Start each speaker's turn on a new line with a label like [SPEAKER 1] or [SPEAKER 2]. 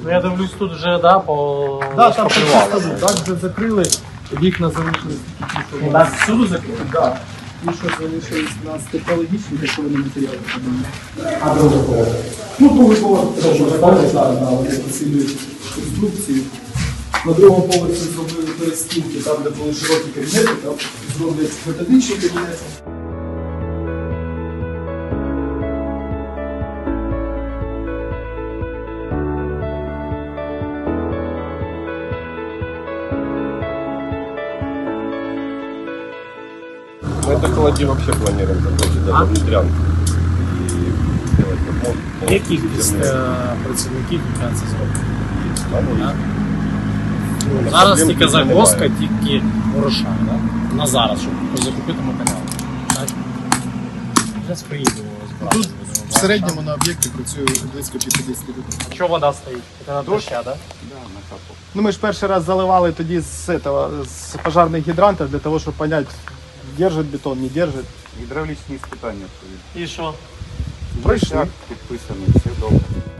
[SPEAKER 1] Ну я дивлюсь тут вже, да, по...
[SPEAKER 2] Да, там покривали. Так вже закрили, вікна залишились тільки.
[SPEAKER 1] У нас всюди закрили?
[SPEAKER 2] Так. І що залишились у нас технологічні такої матеріали.
[SPEAKER 1] А другий поверх?
[SPEAKER 2] Ну, другий поверх теж розповідає зараз, да, вони посилюють конструкцію. На другому поверсі зробили перестінки, там, де були широкі кабінети, там зроблять методичні кабінети.
[SPEAKER 3] Мы это холоди вообще планируем закончить даже внутрянку. И сделать как можно.
[SPEAKER 1] Яких працівників це зробити? Зараз тільки загвоздка, тільки гроша, да? На зараз, щоб закупити матеріал. Так? Зараз приїдемо розбирати.
[SPEAKER 2] Тут в середньому на об'єкті працює близько 50 людей.
[SPEAKER 1] Що вода стоїть? Це на доща, да?
[SPEAKER 2] Ну, ми ж перший раз заливали тоді з пожарних гідрантів для того, щоб зрозуміти, держить бетон, не держить.
[SPEAKER 4] Гідравлічні іспитання.
[SPEAKER 1] І що?
[SPEAKER 2] Пройшли.
[SPEAKER 4] Підписано, все добре.